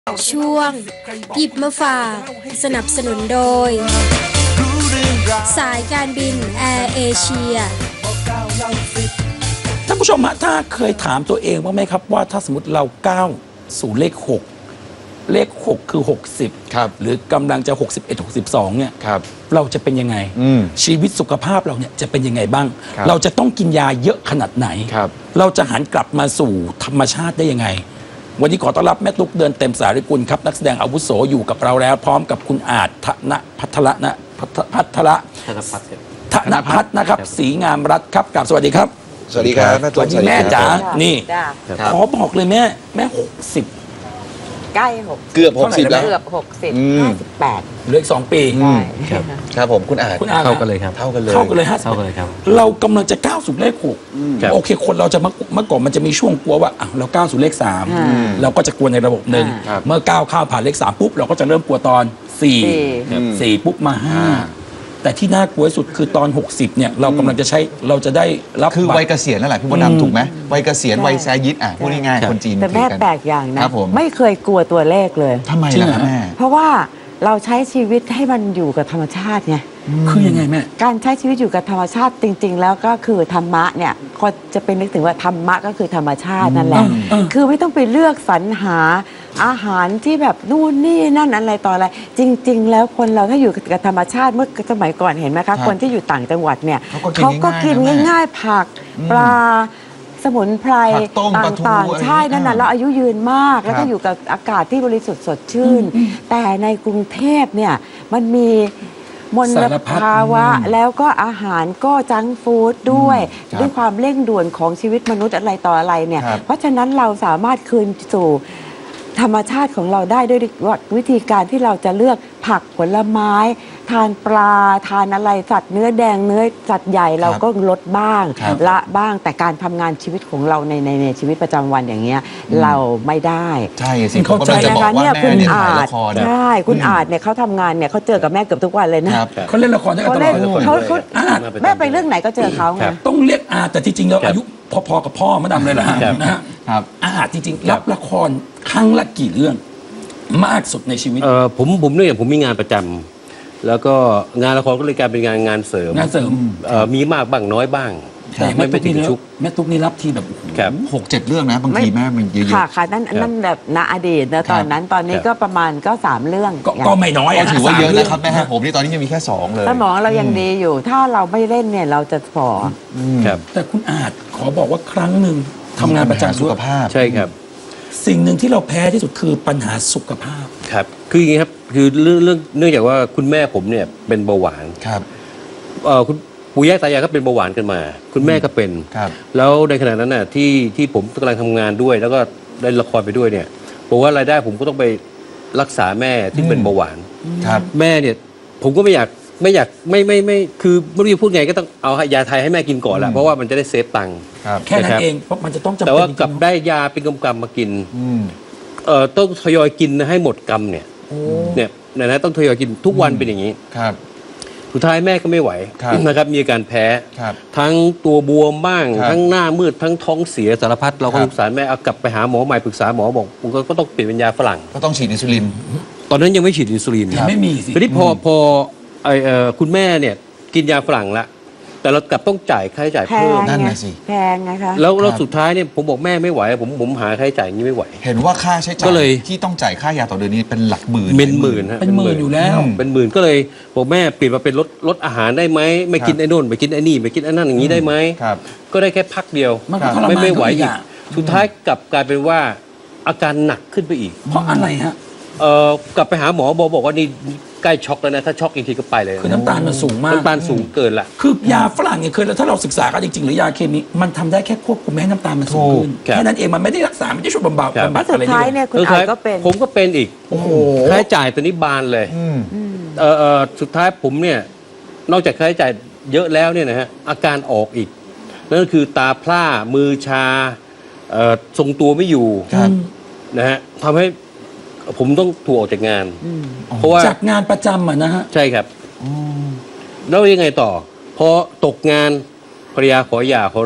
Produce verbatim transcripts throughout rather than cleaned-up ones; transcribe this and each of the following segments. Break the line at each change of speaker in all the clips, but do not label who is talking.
ช่วงหยิบมาฝากสนับสนุนโดยสายการบินแอร์เอเชีย
ท่านผู้ชมฮะถ้าเคยถามตัวเองบ้างไหมครับว่าถ้าสมมติเราก้าวสู่เลขหกเลขหกคือหกสิบ
ครับ
หรือกำลังจะหกสิบเอ็ด หกสิบสองเนี่ย
ครับ
เราจะเป็นยังไงชีวิตสุขภาพเราเนี่ยจะเป็นยังไงบ้างเราจะต้องกินยาเยอะขนาดไหนเราจะหันกลับมาสู่ธรรมชาติได้ยังไงวันนี้ขอต้อนรับแม่ตุ๊กเดินเต็มสาริกุลครับนักแสดงอาวุโสอยู่กับเราแล้วพร้อมกับคุณอาจธนพัทระนะพัทระธนพัฒน์นะครับศรีงามรัตน์ครับกราบสวัสดีครับ
สวัสดีครับ
สวัสดีแม่จ๋านี่ขอบอกเลยแม่แม่หกสิบ
ใกล้หก
เกือบหกสิบแล้ว
เกือบหกสิบห้าสิบแปด
เหลืออีกสองปี
ใช่
ครับผมคุณอาจ
คุณอาจ
เท่ากันเลยครับ
เท่ากันเลย
เท่ากันเลยฮะ
เท่ากันเลยครับ
เรากำลังจะก้าวสู่เลขหกโอเคคนเราจะเมื่อก่อนมันจะมีช่วงกลัวว่าเราก้าวสู่เลขสามเราก็จะกลัวในระบบหนึ่งเมื่อก้าวข้าวผ่านเลขสามปุ๊บเราก็จะเริ่มกลัวตอนสี่สี่ปุ๊บมาห้าแต่ที่น่ากลัวที่สุดคือตอนหกสิบเนี่ยเรากำลังจะใช้เราจะได้รับ
คือวัยเกษียณนั่นแหละพี่มดดำถูกไหมวัยเกษียณวัยแซยิดอ่ะพูดง่ายๆคนจีน
แต่แม่แปลกอย่างนะไม่เคยกลัวตัวเลขเลย
ทำไมล่ะแม่
เพราะว่าเราใช้ชีวิตให้มันอยู่กับธรรมชาติไง
คือยังไงแม่
การใช้ชีวิตอยู่กับธรรมชาติจริง ๆ แล้วก็คือธรรมะเนี่ยก็จะเป็นนึกถึงว่าธรรมะก็คือธรรมชาตินั่นแหละคือไม่ต้องไปเลือกสรรหาอาหารที่แบบนู่นนี่นั่นอะไรต่ออะไรจริง ๆ แล้วคนเราถ้าอยู่กับธรรมชาติเมื่อสมัยก่อนเห็นไหมคะคนที่อยู่ต่างจังหวัดเนี่ยเขาก็กินง่ายๆผักปลาสมุนไพรต่างๆใช่นั่นน่ะเราอายุยืนมากแล้วก็อยู่กับอากาศที่บริสุทธิ์สดชื่นแต่ในกรุงเทพเนี่ยมันมีมลภาวะแล้วก็อาหารก็จังฟู้ดด้วยด้วยความเร่งด่วนของชีวิตมนุษย์อะไรต่ออะไรเนี่ยเพราะฉะนั้นเราสามารถคืนสู่ธรรมชาติของเราได้ด้วยวิธีการที่เราจะเลือกผักผลไม้ทานปลาทานอะไรสัตว์เนื้อแดงเนื้อสัตว์ใหญ่เราก็ลดบ้างละบ้างแต่การทำงานชีวิตของเราในในในชีวิตประจำวันอย่างเงี้ยเราไม่ได้
ใช่สิ
เขาใจนะคะเนี่ยคุณอาจใช่คุณอาจเนี่ยเขาทำงานเนี่ยเขาเจอกับแม่เกือบทุกวันเลยนะ
เขาเล่นละครได้ตลอด
เขาเขาแม่ไปเรื่องไหนก็เจอเขาไง
ต้องเรียกอาแต่ที่จริงแล้วอายุพอๆกับพ่อมาดำเลยล่ะนะฮะอาจริงๆรับละครครั้งละกี่เรื่องมากสุดในชีวิต
เออผมผมเนี่ยผมมีงานประจำแล้วก็งานละครก็เลยกลายเป็นงานงานเสริม
งานเสริม
เออมีมากบ้างน้อยบ้าง
ไม่ไม่ถึงชุกแม่ตุ๊กนี่รับทีแบบ
หกเจ็ดเรื่องนะบางทีแม่มันเยอะๆ
ค่ะค่ะนั่นนั่นแบบณอดีตนะตอนนั้นตอนนี้ก็ประมาณก็สามเรื่อง
ก็ไม่น้อย
ถือว่าเยอะนะครับแม่ผมนี่ตอนนี้ยังมีแค่สองเลย
สมองเรายังดีอยู่ถ้าเราไม่เล่นเนี่ยเราจะฝ่อ
แต่คุณอาจขอบอกว่าครั้งหนึ่งทำงานประจำ
สุขภาพ
ใช่ครับ
สิ่งหนึ่งที่เราแพ้ที่สุดคือปัญหาสุขภาพ
ครับคืออย่างนี้ครับคือเรื่องเรื่องเนื่องจากว่าคุณแม่ผมเนี่ยเป็นเบาหวาน
ครับ
เอ่อคุณปู่ย่าตายายก็เป็นเบาหวานกันมาคุณแม่ก็เป็น
ครับ
แล้วในขณะนั้นน่ะที่ที่ผมกำลังทำงานด้วยแล้วก็ได้ละครไปด้วยเนี่ยผมว่ารายได้ผมก็ต้องไปรักษาแม่ที่เป็นเบาหวาน
ครับ
แม่เนี่ยผมก็ไม่อยากไม่อยากไม่ไม่ไม่คือไม่รู้จะพูดไงก็ต้องเอายาไทยให้แม่กินก่อนแหละเพราะว่ามันจะได้เซฟตังค์
แค่นั้นเองเพราะมันจะต้องจำเป็น
แต่ว่ากลับได้ยาเป็นกำกำมากินเอ่อต้องทยอยกินให้หมดกำเนี่ยเนี่ยนะนะต้องทยอยกินทุกวันเป็นอย่างนี้
ครับ
สุดท้ายแม่ก็ไม่ไหวนะครับมีอาการแพ้ทั้งตัวบวมบ้างทั้งหน้ามืดทั้งท้องเสียสารพัดเราก็สงสารแม่เอากลับไปหาหมอใหม่ปรึกษาหมอบอกผมก็ต้องเปลี่ยนเป็นยาฝรั่ง
ก็ต้องฉีดอินซูลิน
ตอนนั้นยังไม่ฉีดอินซูลิน
ไม่มีสิ
ทีนี้พอพอไอเอ่อคุณแม่เนี่ยกินยาฝรั่งละแต่เรากลับต้องจ่ายค่าใช้จ่ายเพิ่ม
นั่นนะสิ
แพงนะคะ
แล้วแล้วสุดท้ายเนี่ยผมบอกแม่ไม่ไหวผมผมหาค่าใช้จ่ายอย่างนี้ไม่ไหว
เห็นว่าค่าใช้จ่ายที่ต้องจ่ายค่ายาต่อเดือนนี้เป็นหลักหมื่น
เป็นหมื่นฮะ
เป็นหมื่นอยู่แล้ว
เป็นหมื่นก็เลยบอกแม่เปลี่ยนมาเป็นลดลดอาหารได้ไหมไม่กินไอ้นู่นไม่กินไอ้นี่ไม่กินไอ้นั่นอย่างนี้ได้ไหมก็ได้แค่พักเดียวไม่ไม่ไหวอีกสุดท้ายกลับกลายเป็นว่าอาการหนักขึ้นไปอีก
เพราะอะไรฮะ
เอ่อกลับไปหาหมอบอกบอกว่านี่ใกล้ช็อกแล้วนะถ้าช็อกอีกทีก็ไปเลย
คือน้ำตาลมันสูงมาก
น้ำตาลสูงเกินละ
คือยาฝรั่งเนี่ยเคยแล้วถ้าเราศึกษากันจริงๆหรือยาเคมีมันทำได้แค่ควบคุมไม่ให้น้ำตาลมันสูงขึ้นแค่นั้นเองมันไม่ได้รักษาไม่ได้ช่วยบำบัดบำบัดอะไร
สุดท้ายเนี่ยคุณอาจก็เป็น
ผมก็เป็นอีกโอ้โหค่าใช้จ่ายตัวนี้บานเลยเออเออสุดท้ายผมเนี่ยนอกจากค่าใช้จ่ายเยอะแล้วเนี่ยนะฮะอาการออกอีกนั่นก็คือตาพร่ามือชาเอ่อทรงตัวไม่อยู่นะฮะทำให้ผมต้องถูกออกจากงาน
เพราะว่าจากงานประจำอ่ะนะฮะ
ใช่ครับแล้วยังไงต่อพอตกงานภรรยาขอหย่าขอเลิก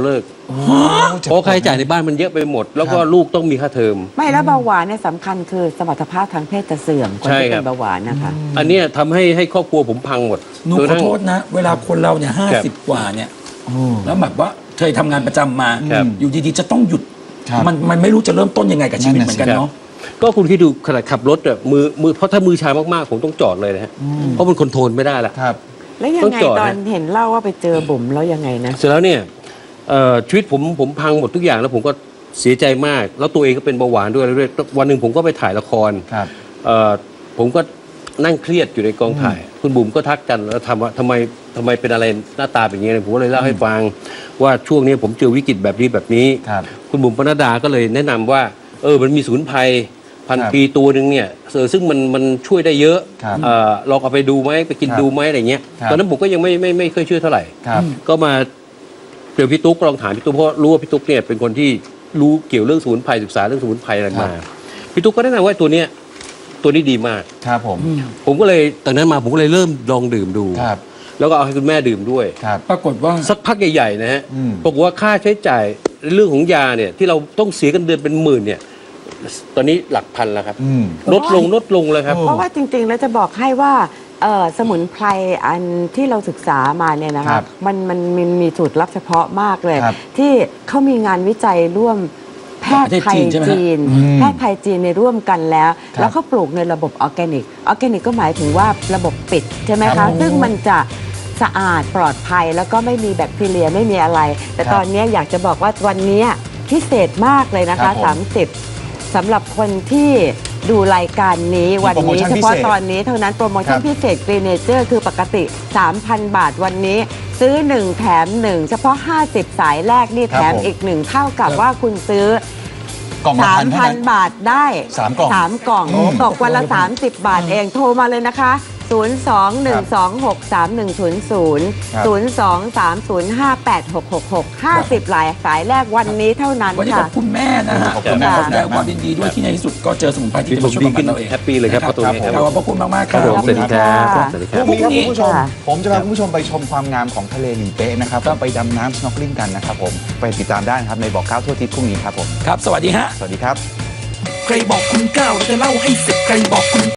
เพราะค่าใช้จ่ายในบ้านมันเยอะไปหมด แล้วก็ลูกต้องมีค่าเทอม
ไม่แล้วเบาหวานเนี่ยสำคัญคือสมรรถภาพทางเพศจะเสื่อมคน
ใช่
ที่
ครั
เป็
บ
นเบาหวานนะคะ
อันเนี้ยทำให้ให้ครอบครัวผมพังหมด
หนู
จ
ขอ
ทั้ง
โทษนะ เวลาคนเราเนี่ยห้า
ครั
สิบบ กว่าเนี่ย
โอ้
แล้วแบบว่าเคยทำงานประจำมา
ครับ
อยู่ดีๆ จะต้องหยุด
ครับ
มันมันไม่รู้จะเริ่มต้นยังไงกับชีวิต
นั่น
เห
น่ะ
มือนกัน
ครับ
เนาะ
ก็คุณคิดดูขนาดขับรถอะมือมือเพราะถ้ามือชามากๆผมต้องจอดเลยนะฮะเพราะมันคอนโทรลไม่ได้ละ
ครับ
แล้วยัง
ต้อง
ไง
จอด
ตอน
นะ
เห็นเล่าว่าไปเจอบุ๋มแล้วยังไงนะ
เสร็จแล้วเนี่ยเอ่อชีวิตผมผมพังหมดทุกอย่างแล้วผมก็เสียใจมาก แล้วตัวเองก็เป็นเบาหวานด้วยด้วยวันหนึ่งผมก็ไปถ่ายละคร
ครับ
เอ่อผมก็นั่งเครียดอยู่ในกองถ่าย คุณบุ๋มก็ทักกันแล้วทำว่าทำไมทำไมเป็นอะไรหน้าตาเป็นอย่างนี้ผมก็เลยเล่าให้ฟังว่าช่วงนี้ผมเจอวิกฤตแบบนี้แบบนี้
ครับ
คุณบุ๋มปนัดดาก็เลยแนะนำว่าเออมันมีสมุนไพรพัน
ครับ
ปีตัวหนึ่งเนี่ยเออซึ่งมันมันช่วยได้เยอะ
ครับ
เออลองเอาไปดูไหมไปกิน
ครับ
ดูไหมอะไรเงี้ย
ครับ
ตอนนั้นผมก็ยังไม่ไม่ไม่เคยเชื่อเท่าไหร่
ครับ
ก็มาเจอพี่ตุ๊กลองถามพี่ตุ๊กเพราะรู้ว่าพี่ตุ๊กเนี่ยเป็นคนที่รู้เกี่ยวเรื่องสมุนไพรศึกษาเรื่องสมุนไพรอะไรมาพี่ตุ๊กก็แนะนำว่าตัวเนี้ยตัวนี้ดีมาก
ครับผม
ผมก็เลยตอนนั้นมาผมก็เลยเริ่มลองดื่มดู
ครับ
แล้วก็เอาให้คุณแม่ดื่มด้วย
ครับ
ปรากฏว่า
สักพักใหญ่ๆนะฮะ
อืม
บอกว่าค่าใช้จ่ายเรื่องของยาเนี่ยที่เราต้องเสียกันเดือนเป็นหมื่นเนี่ยตอนนี้หลักพันแล้วครับ
อืม
ลดลงลดลงเลยครับ
โอ้
เพราะว่าจริงๆ แล้วจะบอกให้ว่าเอ่อสมุนไพรอันที่เราศึกษามาเนี่ยนะ
ครั
คะ
บ
มันมันมีมีสูตรลับเฉพาะมากเลย
ครับ
ที่เขามีงานวิจัยร่วมแพทย์ไทย
ประเทศจีนใช่ไหมฮะ
จีน
อืม
แพทย์ไทยจีนในร่วมกันแล้ว
ครับ
แล้วเขาปลูกในระบบออร์แกนิกออร์แกนิกก็หมายถึงว่าระบบปิดใช่ไหม
ครั
คะ
บ
ซึ่งมันจะสะอาดปลอดภัยแล้วก็ไม่มีแบคทีเรียไม่มีอะไร แต่
ครับ
ตอนนี้อยากจะบอกว่าวันนี้พิเศษมากเลยนะ
ครั
คะ
บผม
สามสิบสำหรับคนที่ดูรายการนี้วัน
โปรโม
นี้
ชั่น
เฉ
พิ
พาะ
เศษ
ตอนนี้เท่านั้นโปรโมชั่น
ครับ
พิเศษกรีเนเจอร์คือปกติ สามพัน บาทวันนี้ ซื้อ หนึ่ง แถม หนึ่ง เฉพาะ ห้าสิบ สายแรกนี่
ครับ
แถม
ผม
อีกหนึ่งเท่ากับว่าคุณซื้อก
ล่องละพันเท่านั้น
สามพัน บาทได้
สามกล่อง
สามกล่อง
อืม
ตกวันละ สามสิบ บาทเองโทรมาเลยนะคะ ศูนย์ สอง หนึ่ง สอง หก สาม หนึ่ง ศูนย์ ศูนย์
ครับ
ศูนย์ สอง สาม ศูนย์ ห้า แปด หก หก หก ห้าสิบ หลายสายแรกวันนี้เท่านั้น
วันนี้ข
ค่ะ
อบคุณแม่นะฮะ
ขอบคุณแม่
ขอแสดงความยินดีด้วยที่ในที่สุดก็เจอสมุนไพรที่
ที่
จะ
ผ
มาม ช่วย
ดี
บำบั
ขึ้
ด
น
เราเอง
แฮปปี้เลยครับเพราะตรงนี้ครับ
ขอบพระคุณมากๆค
ครั
รั
บบ ผมสวัสดีครับ
ค่ะ
สวัสดีค
พ
รับ
รุ่งนี้ครับคุณผู้ชม
ค่ะ
ผมจะพาคุณผู้ชมไปชมความงามของทะเลหลีเป๊ะนะครับก็ไปดำน้ำ snorkeling กันนะครับผมไปติดตามได้นะครับในบอกเก้าทั่วอาทิศพรุ่งนี้ครับผม
ครับ สวัสดีฮะ
สวัสดีครับ
ใครบอกคุณเก้าเราจะเล่าให้สิบใครบอกคุณ